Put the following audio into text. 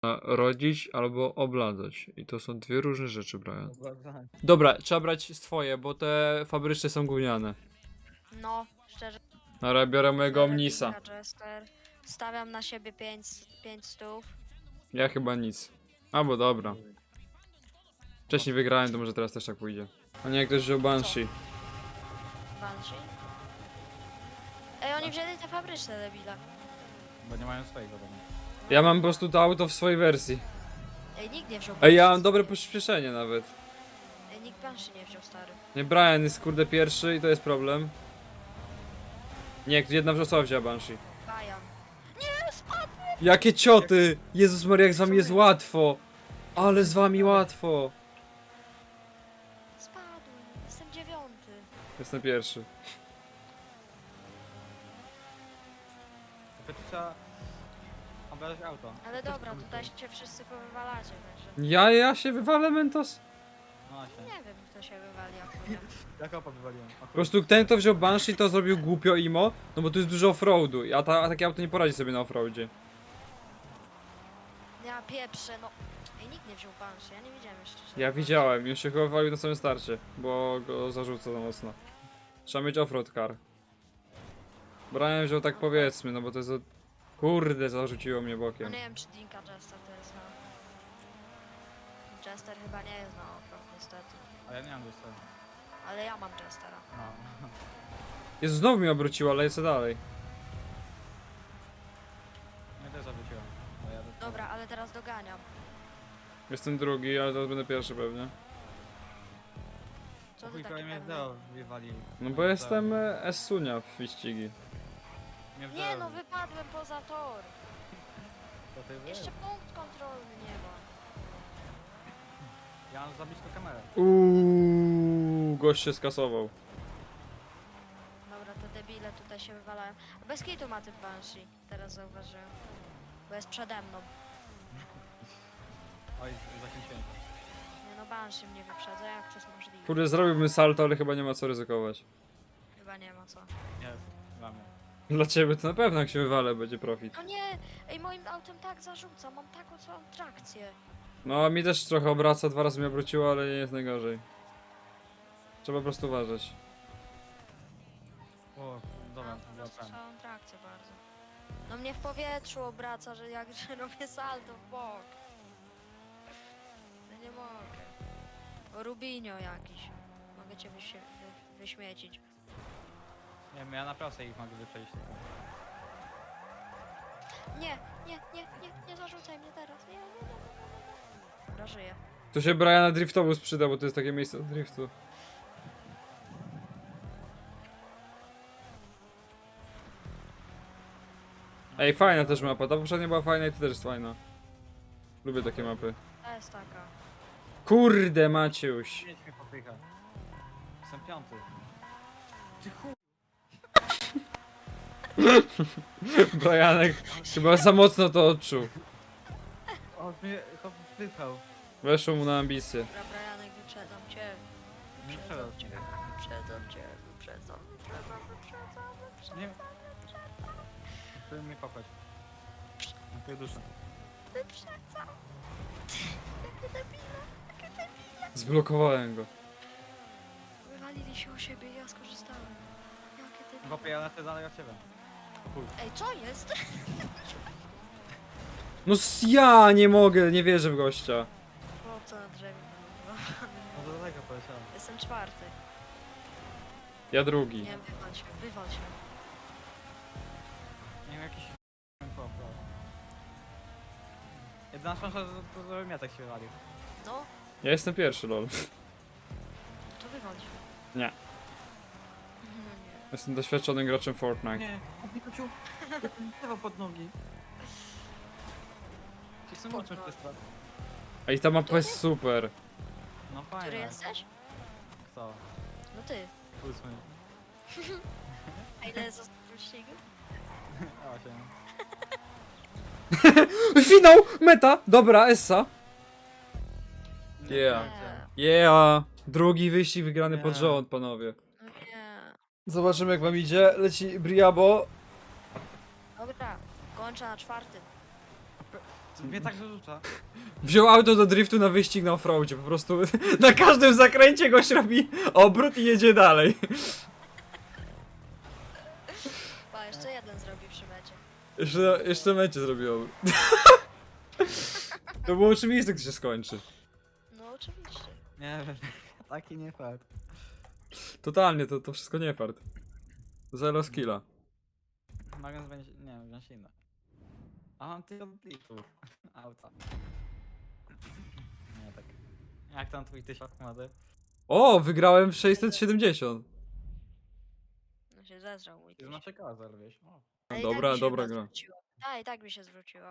Rodzić albo obladzać. I to są dwie różne rzeczy, Brian. Dobra, Dobra, trzeba brać swoje, bo te fabryczne są gówniane. No, szczerze. Ale biorę mojego biorę Omnisa. Dinka Jester. Stawiam na siebie 5 stów. Ja chyba nic. Albo dobra. Wcześniej wygrałem, to może teraz też tak pójdzie. A nie, ktoś wziął Banshee. Banshee. Ej, oni wzięli te fabryczne debile. bo nie mają swojego domu. Ja mam po prostu to auto w swojej wersji. Ej, nikt nie wziął Ej, ja Banshee. mam dobre przyspieszenie nawet. Ej, nikt Banshee nie wziął, stary. Nie, Brian jest kurde pierwszy i to jest problem. Nie, jedna osoba wzięła Banshee. Bajan. Nie, spadł! Jakie cioty! Jezus Maria, jak z wami jest łatwo! Ale z wami łatwo! Spadłem. Jestem 9. Jestem pierwszy. Tylko tu trzeba obrażać auto. Ale dobra, tutaj się wszyscy powywalacie, także... Ja się wywalę, Mentos? No właśnie. Nie wiem, kto się wywali akurat. Jak opa wywaliłem? Po prostu ten, kto wziął Banshee, to zrobił głupio imo, no bo tu jest dużo offroadu, a takie auto nie poradzi sobie na offroadzie. Ja pieprzę, no. Ej, nikt nie wziął Banshee, ja nie widziałem jeszcze. Ja widziałem, już się chyba wywalił na samym starcie, bo go zarzuca za mocno. Trzeba mieć offroad car. Brian wziął tak powiedzmy, no bo to jest... Kurde, zarzuciło mnie No bokiem. nie wiem, czy Dinka Jester to jest na... Jester chyba nie jest na offroad, niestety. A ja nie mam jeszcze. Ale ja mam Jestera. No. Jezu, znowu mnie obróciło, ale lecę dalej. Mnie też zawróciłem. Bo ja Dobra, ale teraz doganiam. Jestem drugi, ale teraz będę pierwszy pewnie. Co ty Chuj, taki prawie mnie w pewny? zero wywalił. No bo jestem S-Sunia w wyścigi. Mnie w Nie zero. no, wypadłem poza tor. To ty Jeszcze punkt kontrolny nie ma. Ja mam za blisko kamerę. Gość się skasował. Dobra, te debile tutaj się wywalają. Bez kitu ma ten Banshee, teraz zauważyłem. Bo jest przede mną. Oj, zakręciłem. Nie no, Banshee mnie wyprzedza, jak to jest możliwe? Kurde, zrobiłbym salto, ale chyba nie ma co ryzykować. Chyba nie ma co. Jest, dla mnie. Dla ciebie to na pewno jak się wywalę będzie profit. No nie! Ej, moim autem tak zarzuca, mam taką całą trakcję. No mi też trochę obraca, 2 razy mnie obróciło, ale nie jest najgorzej. Trzeba po prostu uważać. O, dobra, Mam po prostu wracam. całą trakcję bardzo. No mnie w powietrzu obraca, że jak że robię salto w bok. No nie mogę. O, Rubinio jakiś. Mogę cię wyśmiecić. Nie wiem, ja na prostej ich mogę wyprzedzić tylko. Nie zarzucaj mnie teraz. Nie. Dobra, żyję. Tu się Briana driftowóz przyda, bo to jest takie miejsce do driftu. Ej, fajna też mapa, ta poprzednia była fajna i to też jest fajna. Lubię takie mapy. To jest taka. Kurde Maciuś. Mieć mnie popycha. Jestem piąty. Ty chuj. Brianek chyba za mocno to odczuł. O, mnie chłop wypchał. Weszło mu na ambicje. Dobra, Brianek, wyprzedzam cię. Nie Wyprzedzam przepraszam. cię. Wyprzedzam. Nie. Chcę mnie popchać. Na tej duszę. Wyprzedzam. Jakie debile. Zblokowałem go. Wywalili się o siebie i ja skorzystałem. Jakie debile. Chłopie, ja lecę dalej od ciebie. Chuj. Ej, co jest? No ja nie mogę, nie wierzę w gościa. Chłopca na drzewie. No do daleko poleciałem. Jestem 4. Ja drugi. Nie, wywal się. Nie wiem, jakiś chłop. Jedna szansa, to żebym ja tak się walił. No, Ja jestem pierwszy, lol. to wywal się. Nie. Nie. Jestem doświadczonym graczem Fortnite. Nie, Pikachu, lewo pod nogi. Jestem Pod mocny nogi. przez to. Ej, ta mapa jest super. No Który fajnie. jesteś? Kto? No ty. 8. A ile jest ostatni wyścigu? 8. Finał! Meta! Dobra, Essa. Nie, Yeah. nie. Yeah! Drugi wyścig wygrany pod Nie. rząd, panowie. No nie. Zobaczymy jak wam idzie. Leci Briabo. Dobra, kończę na 4. Mnie tak wyrzuca. Wziął auto do driftu na wyścig na offroadzie, po prostu na każdym zakręcie goś robi obrót i jedzie dalej. Pa, jeszcze jeden zrobi przy mecie. Jeszcze mecie zrobił obrót. To było oczywiste, gdy się skończy. No oczywiście. Nie wiem, taki nie fakt. Totalnie, to wszystko nie fart. Zero skilla. Mogę będzie, nie wiem, wziąć inne. A mam ty od liczbu. Auta. Nie tak. Jak tam twój 1000 mody? O, wygrałem w 670. No się zezrał mój Ty tyś. znaczy kozer, wiesz. O. Ale i Dobra, tak mi się dobra chyba gra. zwróciło. A, i tak mi się zwróciło.